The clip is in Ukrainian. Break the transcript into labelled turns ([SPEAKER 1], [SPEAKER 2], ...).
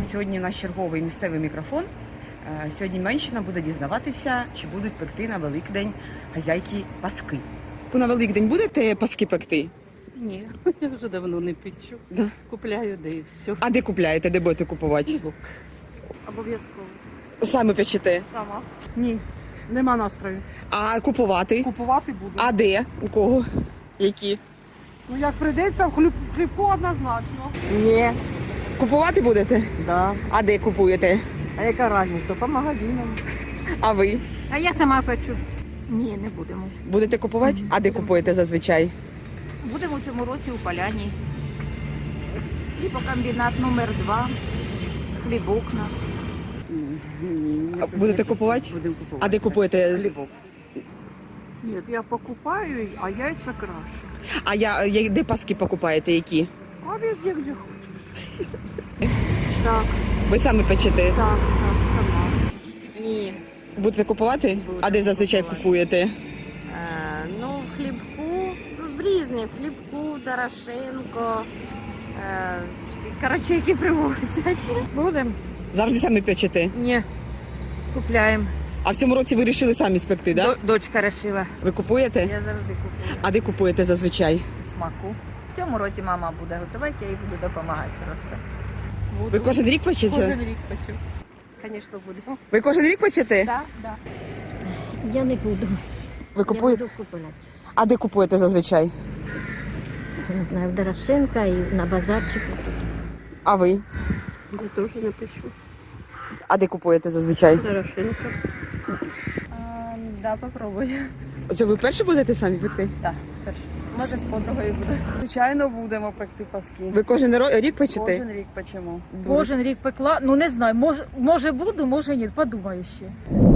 [SPEAKER 1] Сьогодні наш черговий місцевий мікрофон. Сьогодні Менщина буде дізнаватися, чи будуть пекти на Великдень хазяйки паски. Ви на Великдень будете паски пекти?
[SPEAKER 2] Ні, я вже давно не печу.
[SPEAKER 1] Да.
[SPEAKER 2] Купляю, де і все.
[SPEAKER 1] А де купляєте, де будете купувати?
[SPEAKER 3] Обов'язково.
[SPEAKER 1] Самі печете.
[SPEAKER 3] Сама. Ні, нема настрою.
[SPEAKER 1] А купувати?
[SPEAKER 3] Купувати буду.
[SPEAKER 1] А де? У кого? Які?
[SPEAKER 3] Ну як прийдеться, в хлібку однозначно.
[SPEAKER 1] Ні. Купувати будете?
[SPEAKER 3] Да.
[SPEAKER 1] А де купуєте?
[SPEAKER 3] А яка різниця? По магазинам.
[SPEAKER 1] А ви?
[SPEAKER 4] А я сама печу. Ні, не будемо.
[SPEAKER 1] Будете купувати? А де купуєте зазвичай?
[SPEAKER 4] Будемо в цьому році у Поляні. Хлібокомбінат номер 2. Хлібок наш.
[SPEAKER 1] А будете купувати?
[SPEAKER 2] Будемо купувати.
[SPEAKER 1] А де купуєте?
[SPEAKER 2] Хлібок.
[SPEAKER 3] Ні, я покупаю, а яйця краще.
[SPEAKER 1] А де паски покупаєте, які?
[SPEAKER 3] А везде, де хочеш. Так,
[SPEAKER 1] Ви самі печете?
[SPEAKER 3] так, сама.
[SPEAKER 5] Ні.
[SPEAKER 1] Будете купувати?
[SPEAKER 5] Будемо
[SPEAKER 1] А де зазвичай
[SPEAKER 5] купувати.
[SPEAKER 1] купуєте?
[SPEAKER 5] Ну, в хлібку, в різних, в хлібку, Дорошенко. Коротше, які привозять.
[SPEAKER 4] Будемо?
[SPEAKER 1] Завжди самі печете.
[SPEAKER 4] Ні. Купляємо.
[SPEAKER 1] А в цьому році ви вирішили самі спекти, так? Да?
[SPEAKER 4] Дочка решила.
[SPEAKER 1] Ви купуєте?
[SPEAKER 5] Я завжди купую.
[SPEAKER 1] А де купуєте зазвичай?
[SPEAKER 5] Смаку. В цьому році мама буде готувати, я їй буду допомагати просто.
[SPEAKER 1] Ви кожен рік печете?
[SPEAKER 5] Кожен рік печу. Звісно, будемо.
[SPEAKER 1] Ви кожен рік печете?
[SPEAKER 5] Так, так.
[SPEAKER 6] Я не буду.
[SPEAKER 1] Ви купуєте?
[SPEAKER 6] Я буду купувати.
[SPEAKER 1] А де купуєте зазвичай?
[SPEAKER 6] Я не знаю, в Дорошенка і на базарчику тут.
[SPEAKER 1] А ви?
[SPEAKER 3] Я теж не печу.
[SPEAKER 1] А де купуєте зазвичай?
[SPEAKER 3] Дорошенко.
[SPEAKER 5] Да, попробую.
[SPEAKER 1] Це ви перші будете самі пекти?
[SPEAKER 5] Так, перше. Може, з подругою буде.
[SPEAKER 3] Звичайно, будемо пекти паски.
[SPEAKER 1] Ви кожен рік печете?
[SPEAKER 3] Кожен рік печемо.
[SPEAKER 7] Кожен рік пекла, ну не знаю, може буду, може ні, подумаю ще.